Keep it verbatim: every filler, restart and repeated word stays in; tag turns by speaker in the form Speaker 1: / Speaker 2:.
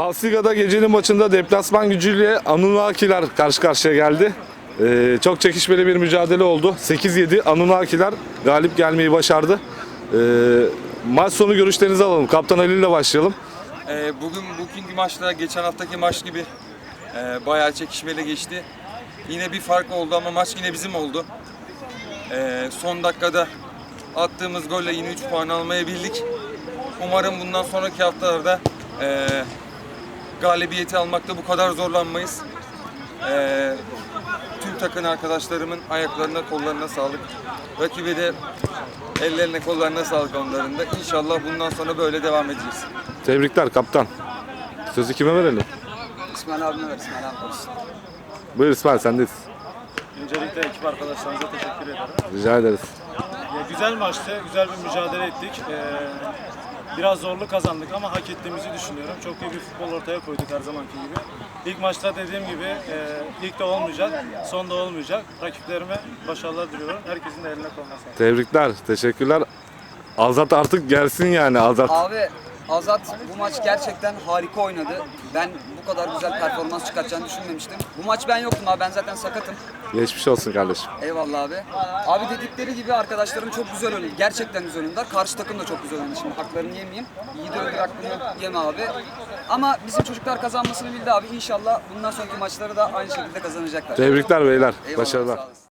Speaker 1: Alsiga'da gecenin maçında deplasman gücüyle Anunnakiler karşı karşıya geldi. Ee, çok çekişmeli bir mücadele oldu. sekiz yedi Anunnakiler galip gelmeyi başardı. Ee, maç sonu görüşlerinizi alalım. Kaptan Ali ile başlayalım.
Speaker 2: Ee, bugün bugünkü maçta geçen haftaki maç gibi e, bayağı çekişmeli geçti. Yine bir fark oldu ama maç yine bizim oldu. Ee, son dakikada attığımız golle yine üç puan almayı bildik. Umarım bundan sonraki haftalarda e, galibiyeti almakta bu kadar zorlanmayız. E, tüm takım arkadaşlarımın ayaklarına, kollarına sağlık. Rakibe de ellerine, kollarına sağlık onların da. İnşallah bundan sonra böyle devam edeceğiz.
Speaker 1: Tebrikler kaptan. Sözü kime verelim?
Speaker 3: İsmail abime ver, İsmail abi olsun.
Speaker 1: Buyur İsmail, sendeyiz.
Speaker 4: Öncelikle ekip arkadaşlarımıza teşekkür ederim.
Speaker 1: Rica ederiz.
Speaker 4: Ya, güzel maçtı, güzel bir mücadele ettik. Ee, biraz zorlu kazandık ama hak ettiğimizi düşünüyorum. Çok iyi bir futbol ortaya koyduk her zamanki gibi. İlk maçta dediğim gibi e, ilk de olmayacak, son da olmayacak. Rakiplerime başarılar diliyorum. Herkesin de eline koluna sağlık.
Speaker 1: Tebrikler, teşekkürler. Azat artık gelsin yani Azat.
Speaker 3: Abi Azat bu maç gerçekten harika oynadı. Ben bu kadar güzel performans çıkartacağını düşünmemiştim. Bu maç ben yoktum abi, ben zaten sakatım.
Speaker 1: Geçmiş olsun kardeşim.
Speaker 3: Eyvallah abi. Abi dedikleri gibi arkadaşlarım çok güzel oynadı. Gerçekten güzel oynadılar. Karşı takım da çok güzel oynadı. Şimdi haklarını yemeyeyim. İyi de öldür hakkını yeme abi. Ama bizim çocuklar kazanmasını bildi abi. İnşallah bundan sonraki maçları da aynı şekilde kazanacaklar.
Speaker 1: Tebrikler beyler.
Speaker 3: Eyvallah,
Speaker 1: Başarılar.
Speaker 3: sağ olasın.